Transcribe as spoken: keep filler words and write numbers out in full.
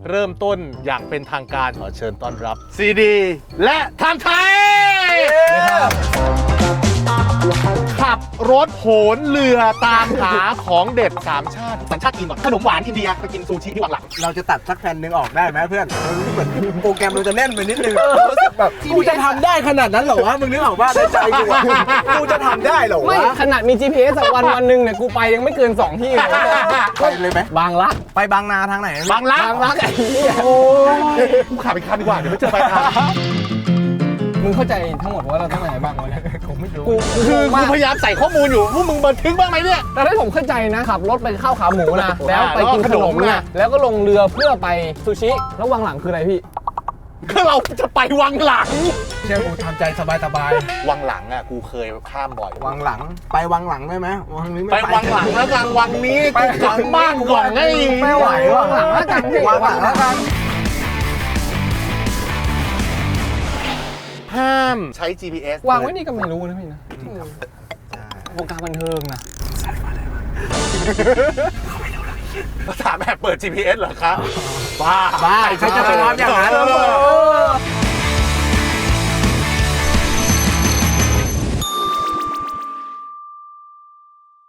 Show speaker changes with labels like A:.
A: เริ่มต้นอย่างเป็นทางการขอเชิญต้อนรับซีดีและไทม์ไทยขับรถโหนเรือตามหาของเด็ดสามชาติสัญชาติจีนก่อนขนมหวานอินเดียไปกินซูชิที่วังหลัง
B: เราจะตัดสักแผ่นหนึ่งออกได้ไหมเพื่อนเหมือนโปรแกรมเราจะแน่นไปนิดนึงรู้สึกแบบกูจะทำได้ขนาดนั้นเหรอวะมึงนึกออกว่าในใจกูอะกูจะทำได้เหรอ
C: ไม่
B: วะ
C: ขนาดมี จี พี เอส อะวันวันหนึ่งเนี่ยกูไปยังไม่เกินสองที่เลย
B: ไปเลยไหม
C: บางรัก
B: ไปบางนาทางไหน
A: บางรัก
C: บางรักไอ้เหี้ย
A: โอ้ยกูขับไปคันดีกว่าเดี๋ยวไม่เจอปลายทาง
C: มึงเข้าใจทั้งหมดว่าเราต้องไหนบ้างวะเนี่ย
B: ผมไม่รู้
C: กู
A: คือ
C: มา
A: กูพยายามใส่ข้อมูลอยู่พวกมึงบันทึกบ้างไหมเนี่ย
C: แต่ถ้าผมเข้าใจนะขับรถไปข้าวขาหมูนะแล้วไปกินขนม
A: แล้วก็ขนม
C: นะ
A: นะ
C: แล้วก็ลงเรือเพื่อไปซูชิแล้ววังหลังคืออะไรพี่
A: ก็เราจะไปวังหลัง
B: เชื่อกูทำใจสบายสบาย
A: วังหลังอ่ะกูเคยข้ามบ่อย
B: วังหลังไปวังหลังได้ไหมวังนี้ไม่
A: ไปวังหลังแล้วกันวังนี้
B: ไป
A: กูกลับบ้านก่อนไง
B: ไม่ไหว
C: วังหลังแล้วกันพี่
B: วังหลังแล้วกัน
A: ห้ามใช้ จี พี เอส
C: วางไว้นี่ก็ไม่รู้นะพี่นะวงการบันเทิงนะ
A: ถามแบบเปิด จี พี เอส เหรอครับบ้า
B: บ้าใครจะไปรับอย่างนั้น
A: เออ